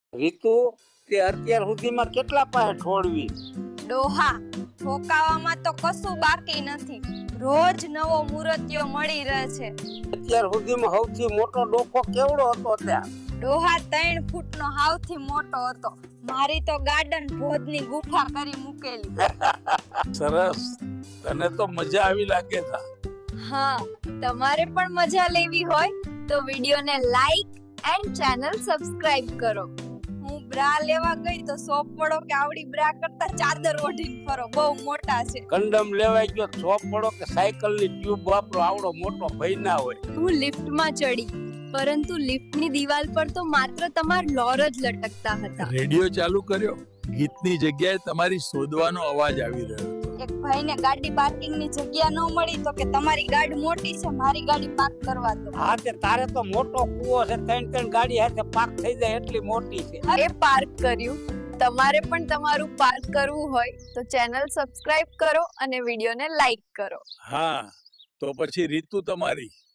રીતુ તે અત્યાર સુધીમાં કેટલા પાસે ઠોળવી? ડોહા ઠોકાવામાં તો કશું બાકી નથી. રોજ નવો મૂર્તિઓ મળી રહે છે. અત્યાર સુધીમાં સૌથી મોટો ડોફો કેવડો હતો ત્યાં? ડોહા 3 ફૂટનો હાવથી મોટો હતો. મારી તો ગાર્ડન ભોજની ગુફા કરી મૂકેલી. સરસ, તને તો મજા આવી લાગે છે. હા, તમારે પણ મજા લેવી હોય તો વિડિયોને લાઈક એન્ડ ચેનલ સબસ્ક્રાઇબ કરો. હું બ્રા લેવા ગઈ તો સોપ પડો કે આવડી બ્રા કરતા ચાદર ઓઢીને ફરો, બહુ મોટા છે. કંડમ લેવાઈ ગયો, છોપ પડો કે સાયકલની ટ્યુબ વાપરો, આવડો મોટો ભઈ ના હોય. હું લિફ્ટમાં ચડી, પરંતુ લિફ્ટની દિવાલ પર તો માત્ર તમાર લોર જ લટકતા હતા. રેડિયો ચાલુ કર્યો, ગીતની જગ્યાએ તમારી શોધવાનો અવાજ આવી રહ્યો હતો. એક ભાઈને ગાડી પાર્કિંગની જગ્યા ન મળી તો કે તમારી ગાડી મોટી છે, મારી ગાડી પાર્ક કરવા દો. હા, તે તારે તો મોટો કૂવો છે, 3 ગાડી સાથે પાર્ક થઈ જાય એટલી મોટી છે. એ પાર્ક કર્યું. તમારે પણ તમારું પાર્ક કરવું હોય તો ચેનલ સબસ્ક્રાઇબ કરો અને વિડિયોને લાઈક કરો. હા, તો પછી રીતુ તમારી